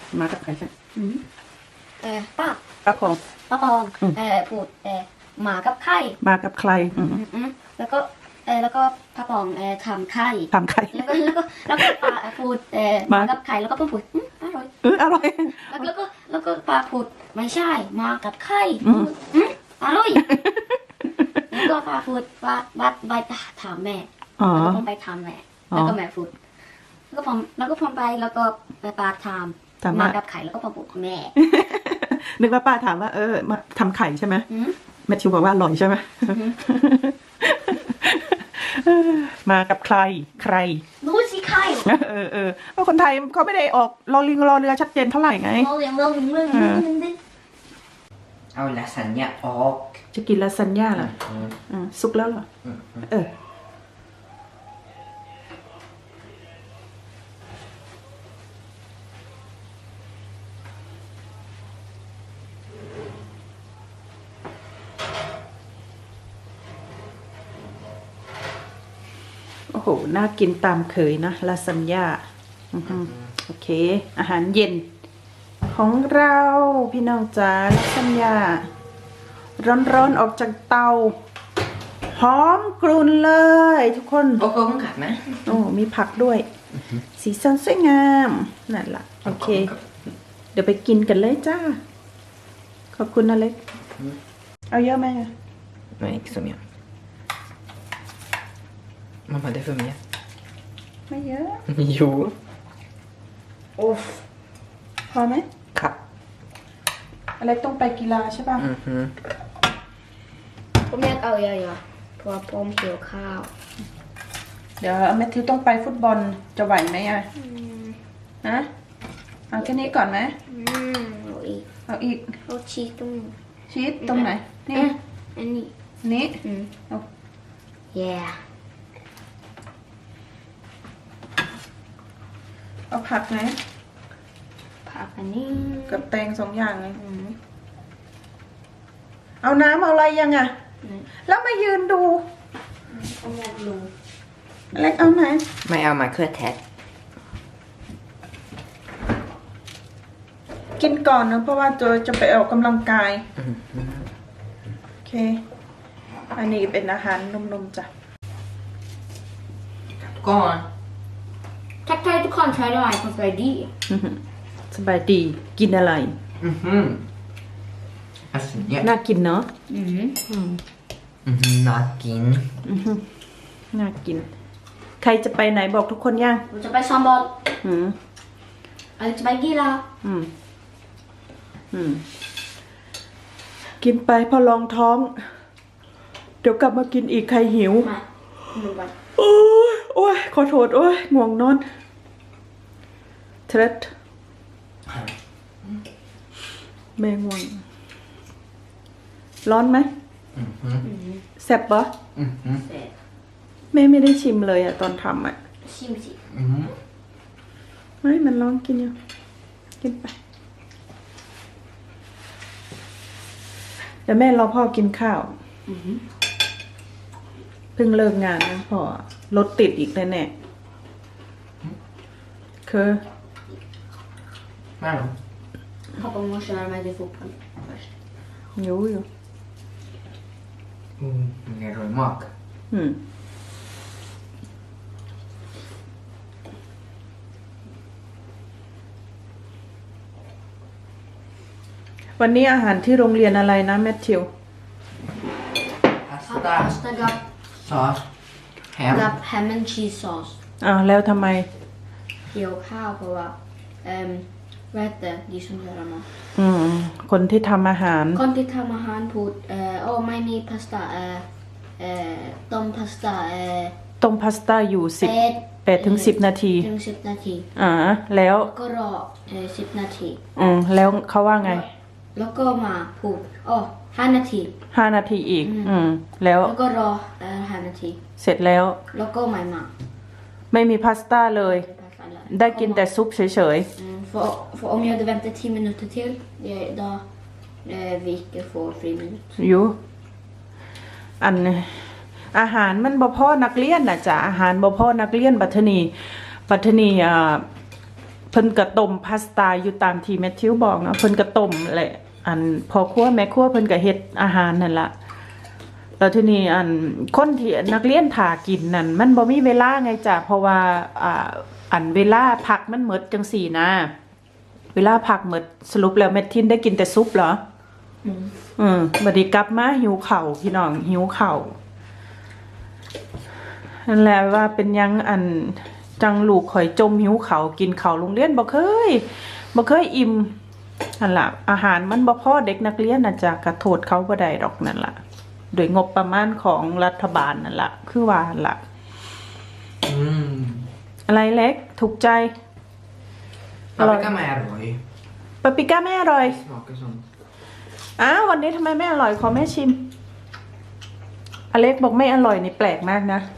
มากับใครใช่ป้าป้าพองปองพูดหมากับไข่มากับใครแล้วก็ป้าปองทำไข่แล้วก็ป้าพูดหมากับไข่แล้วก็ป้าพูดอร่อยอร่อยแล้วก็ป้าพูดไม่ใช่มากับไข่อร่อยแล้วก็ป้าพูดไปถามแม่แล้วก็ผมไปถามแม่แล้วก็แม่พูดแล้วก็ผมไปแล้วก็ป้าถามมากับไข่แล้วก็ป้าพูดแม่นึกว่าป้าถามว่ามาทำไข่ใช่ไหมแมทธิวบอกว่าอร่อยใช่ไหมมากับใครรู้สิใครเพราะคนไทยเขาไม่ได้ออกรอลิงรอเรือชัดเจนเท่าไหร่ไงเอาลาซานญ่าออกจะกินลาซานญ่าเหรอสุกแล้วเหรอโอ้โหน่ากินตามเคยนะลาซานญ่าโอเคอาหารเย็นของเราพี่น้องจ๋าลาซานญ่าร้อนๆออกจากเตาหอมกรุ่นเลยทุกคนโอ้โหขัดไหมโอ้มีผักด้วยสีสันสวยงามนั่นล่ะโอเคเดี๋ยวไปกินกันเลยจ้าขอบคุณนะเล็กเอาเยอะไหมไม่สมัยมันมาได้เพิ่มเยอะไม่เยอะอยู่โอ้พอไหมครับอะไรต้องไปกีฬาใช่ป่ะผมอยากเอาเยอะๆเพราะผมหิวข้าวเดี๋ยวแมทธิวต้องไปฟุตบอลจะไหวไหมฮะเอาแค่นี้ก่อนไหมเอาอีกเอาชีสตรงไหนนี่อันนี้เอาyeah เอาผักไหมผักอันนี้กับแตง2 อย่างเลยเอาน้ำเอาอะไรยังอ่ะแล้วมายืนดูเอาอยากดูเล็กเอาไหมไม่เอามาเครือแทะกินก่อนนะเพราะว่าจะไปออกกำลังกายโอเคอันนี้เป็นอาหารนมๆจ้ะก่อนทักทายทุกคนใช้ได้สบายดีสบายดีกินอะไรน่ากินเนาะน่ากินน่ากินใครจะไปไหนบอกทุกคนยังเราจะไปซ้อมบอลอะไรจะไปกีฬากินไปพอลองท้องเดี๋ยวกลับมากินอีกใครหิวโอ้ยขอโทษโอ้ยง่วงนอนเทรดแม่ง่วงร้อนไหมแซ่บปะแม่ไม่ได้ชิมเลยอะตอนทำอะชิมสิไม่มันร้อนกินอยู่กินไปเดี๋ยวแม่รอพ่อกินข้าวเพิ่งเลิกงานนะพ่อรถติดอีกแน่ๆคือไม่หรอ Pappa måste lära mig till fotboll först. Jo. Det är rolig mak. วันนี้อาหารที่โรงเรียนอะไรนะแมทธิว Pasta sås ham and cheese sauce แล้วทำไมหิวข้าวเพราะว่าRätte, de som gör mat. คนที่ทำอาหารพูดไม่มีพาสต้าต้มพาสต้าอยู่8 ถึง 10 นาทีแล้วก็รอ10 นาทีแล้วเขาว่าไงแล้วก็มาพูด5 นาที 5 นาทีอีกแล้วก็รอ5 นาทีเสร็จแล้วก็ไม่มีพาสต้าเลยได้กินแต่ซุปเฉย för om jag hade väntat 10 minuter till då vi inte får friminuter อยู่อาหารมันบ่พอนักเรียนน่ะจ้ะอาหารบ่พอนักเรียนบัดนี้เพิ่นกระต้มพาสต้าอยู่ตามที่แมทธิวบอกนะเพิ่นกระต้มแหละอันพอครัวแม่ครัวเพิ่นก็เฮ็ดอาหารนั่นล่ะแล้วทีนี้คนที่นักเรียนถากินนั่นมันบ่มีเวลาไงจ้ะเพราะว่าเวลาพักมันหมดจังสี่นะเวลาพักหมดสรุปแล้วแมททินได้กินแต่ซุปเหรอบัดนี้กลับมาหิวข้าวพี่น้องหิวข้าวนั่นแหละว่าเป็นยังจังลูกข่อยจมหิวเขากินเขาโรงเรียนบ่เคยอิ่มนั่นล่ะอาหารมันบ่พอเด็กนักเรียนน่ะจะกระโทษเขาบ่ได้ดอกนั่นล่ะโดยงบประมาณของรัฐบาลนั่นล่ะคือว่าล่ะอะไรเล็กถูกใจ Paprika med roj. ปาปริก้าไม่อร่อย Smakar som... วันนี้ทำไมไม่อร่อยขอแม่ชิมอเล็กบอกไม่อร่อยนี่แปลกมากนะ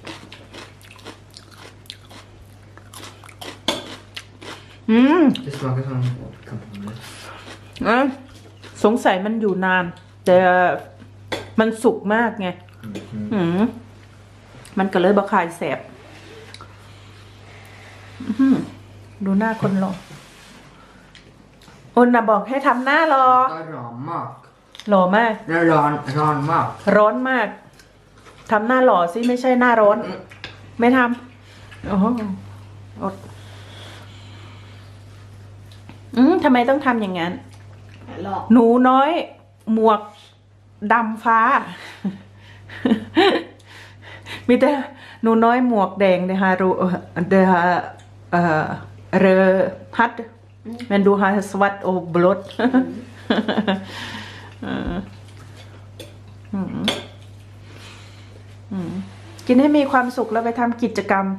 Det smakar som kampanjer. สงสัยมันอยู่นาน แต่มันสุกมากไงมันก็เลยบะคายแสบดูหน้าคนรออนน่ะบอกให้ทำหน้ารอ Rammak. หล่อมาก Ranmak. ร้อนมากทำหน้าหล่อสิไม่ใช่หน้าร้อน ไม่ทำโอ้โหอดทำไมต้องทำอย่างนั้นหลอกหนูน้อยหมวกดำฟ้า มีแต่หนูน้อยหมวกแดงเดฮารูเดฮาเรฮัดมันดูฮาสวัตโอบลดกินให้มีความสุขแล้วไปทำกิจกรรม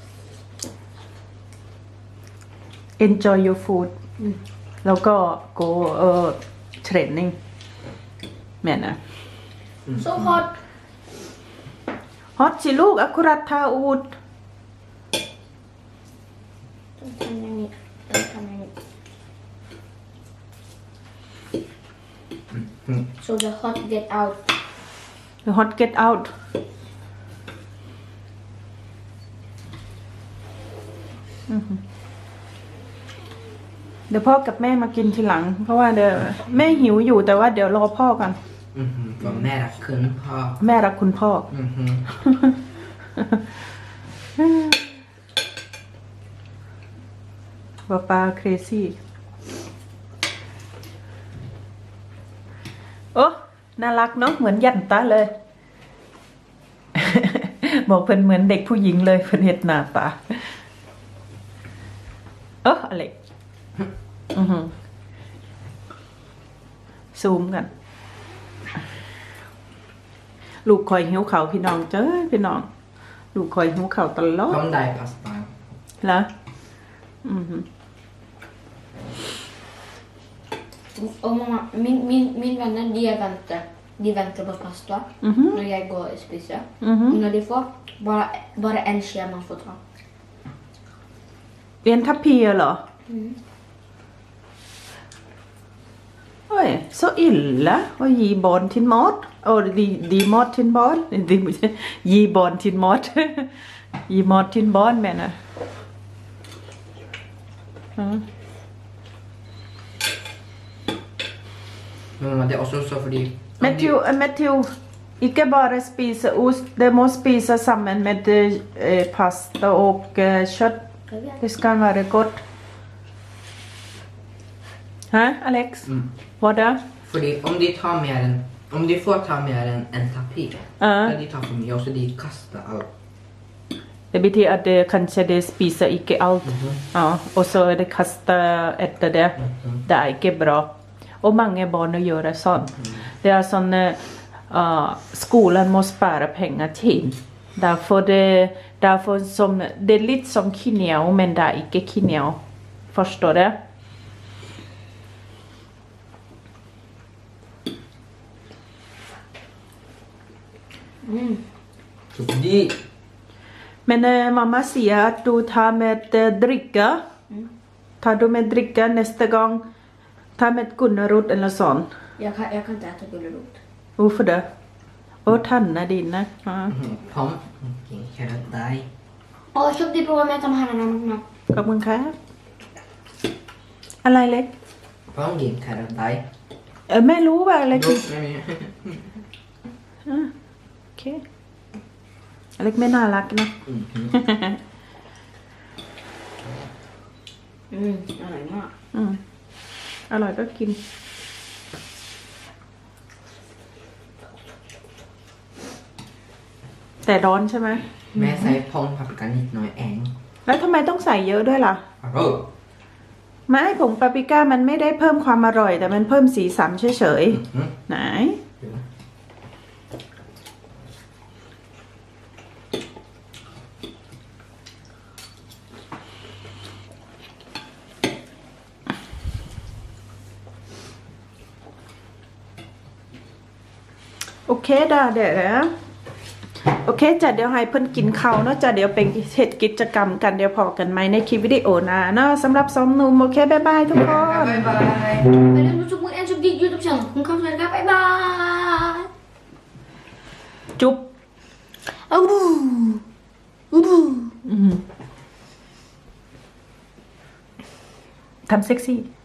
enjoy your food แล้วก็ go training แม่นะ so hot ฮอตสิลูกอคุรัตทาอูดต้องทำอย่างนี้ต้องทำอย่างนี้ so the hot get out the hot get out เดี๋ยวพ่อกับแม่มากินทีหลัง เพราะว่าเดี๋ยวแม่หิวอยู่แต่ว่าเดี๋ยวรอพ่อกัน Vad nära kund har. แม่รักคุณพ่อ ป้าเครซี่โอ้น่ารักเนาะเหมือนยันตาเลย บอกเพิ่นเหมือนเด็กผู้หญิงเลยเพิ่นเฮ็ดหน้าตาอะไรซูมกันลูกคอยหิวเขาพี่น้องเจ้ยพี่น้องลูกคอยหิวเขาตลอด Kom där pasta. เหรอ och mamma min vänner de väntar på pasta när jag går och spiser och när de får bara en ske man får ta เรียนทัพพีเหรอเฮ้ย så illa att ge barn till mat och de mat till barn ge barn till mat ge mat till barn menar Mamma, det är också så för de... Matthew inte bara spisa ost det måste spisa samman med pasta och kött det ska vara gott Alex vad då För om de tar mer än... Om de får ta mer än en tapir. Då de tar för mycket och så de kastar allt. Det betyder att det kanske det spiser inte allt. Ja, och så det kastar efter det. Det är inte bra. Och många barn gör sånt. Det är sån skolan måste spara pengar till. Därför som det är lite som kineo men det är inte kineo. Förstår du? Så de... Men mamma säger att du tar med dricka. Tar du med dricka nästa gång? Ta med Gunnarot eller sånt. jag kan inte äta gullerot Varför det? Och tanna dina. Pom. Kära dig. köp det på med de här mamma ขอบคุณครับอะไรเล็ก Pumpkin kind of die. แม่รู้ว่าอะไรคือ Maybe. โอเคเล็กไม่น่ารักนะอร่อยมากอร่อยก็กิน แต่ร้อนใช่ไหมแม่ใส่ผงปาปริก้านิดหน่อยเองแล้วทำไมต้องใส่เยอะด้วยล่ะอร่อยไม่ผงปาปริก้ามันไม่ได้เพิ่มความอร่อย แต่มันเพิ่มสีสันเฉยๆไหน โอเคเดี๋ยวโอเคจ้ะเดี๋ยวให้เพิ่นกินข้าวเนาะจ้ะเดี๋ยวเป็นเฮ็ดกิจกรรมกันเดี๋ยวพอกันไหมในคลิปวิดีโอหน้าเนาะสำหรับสองหนุ่มโอเคบ๊ายบายทุกคนบ๊ายบายไปเล่นยูทูบมือแอนชูดียูทูบช่องของเขาเลยครับบ๊ายบายจุ๊บอ้าวอู้ทำเซ็กซี่